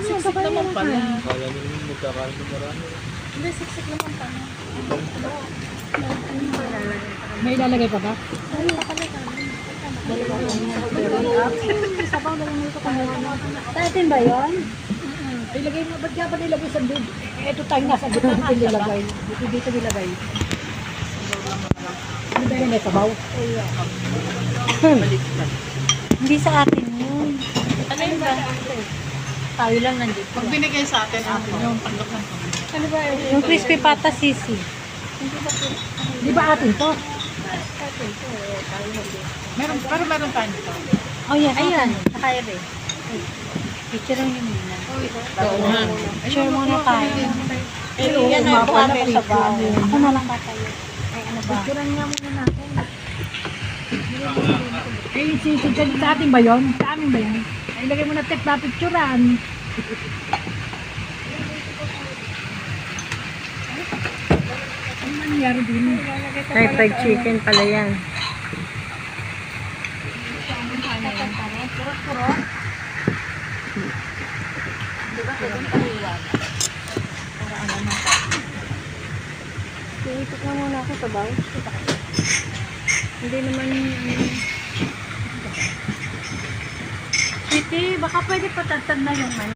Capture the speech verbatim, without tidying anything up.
Siksik naman pala. Kala nyo naman magkakaroon ng marami. Hindi, siksik naman pala. May ilalagay pa ba? Ay, nakalagay. Sabaw na lang ito kung Sa atin ba yun? Ilagay mo, ba't nga ba nilagay sa bib? Eh, ito tayo nasa bib dito nilagay. Dito dito nilagay. Ano ba yun? May sabaw? Hindi sa atin yun. Ano yun ba? Tayo lang nandito. Pag binigay sa atin, atin yung panlok ng kami. Ano ba yun? Yung crispy pata sisi. Di ba atin to? Meron, pero meron tayo nito. Oh yan, ayan. Nakaya rin. Picture lang yun muna. Oo nga. Picture muna tayo. Eh, yan na yung kami sa bawo. Ako na lang ba tayo? Ay, ano ba? Picturean nga muna natin. Eh, si, si, si, sa atin ba yun? Sa amin ba yun? Ay, ilagay mo na tek na picturean. Ano nangyari din? Ay, fried chicken pala yan. Iikot na muna ako sa bawo. Hindi naman ano. Sweetie, baka pwede patatag na yung